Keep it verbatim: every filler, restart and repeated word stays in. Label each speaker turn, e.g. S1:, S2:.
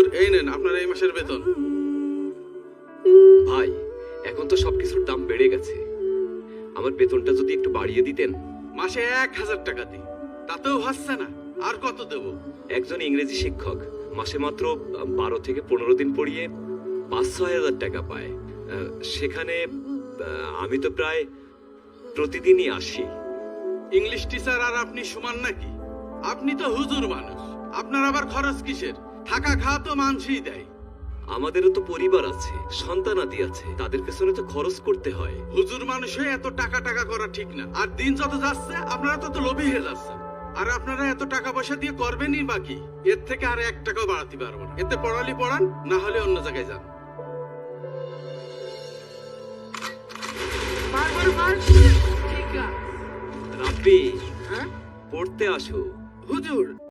S1: এই নেন আপনার এই মাসের বেতন।
S2: ভাই এখন তো সবকিছুর দাম বেড়ে গেছে, আমার বেতনটা যদি একটু বাড়িয়ে দিতেন।
S1: মাসে এক হাজার টাকা দিই, তাতেও হচ্ছে না, আর কত দেব?
S2: একজন ইংরেজি শিক্ষক মাসে মাত্র বারো থেকে পনেরো দিন পড়িয়ে পাঁচ ছয় হাজার টাকা পায়। আহ, সেখানে আহ, আমি তো প্রায় প্রতিদিনই আসি।
S1: ইংলিশ টিচার আর আপনি সমান নাকি? আপনি তো হুজুর মানুষ, আপনার আবার খরচ কিসের? থাকা খাওয়া তো মানুষই দেয়।
S2: আমাদেরও তো পরিবার আছে, সন্তানাদি আছে, তাদের পেছনে তো খরচ করতে হয়।
S1: হুজুর মানুষ হয়ে এত টাকা টাকা করা ঠিক না। আর দিন যত যাচ্ছে আপনারা তত লোভী হয়ে যাচ্ছেন। আর আপনারা এত টাকা পয়সা দিয়ে করবেনই বাকি, এর থেকে আর এক টাকাও বাড়াতে পারবো না। এতে পড়ালি পড়ান, না হলে অন্য জায়গায় যান।
S2: রাব্বি,
S1: হ্যাঁ
S2: পড়তে আসো।
S1: হুজুর,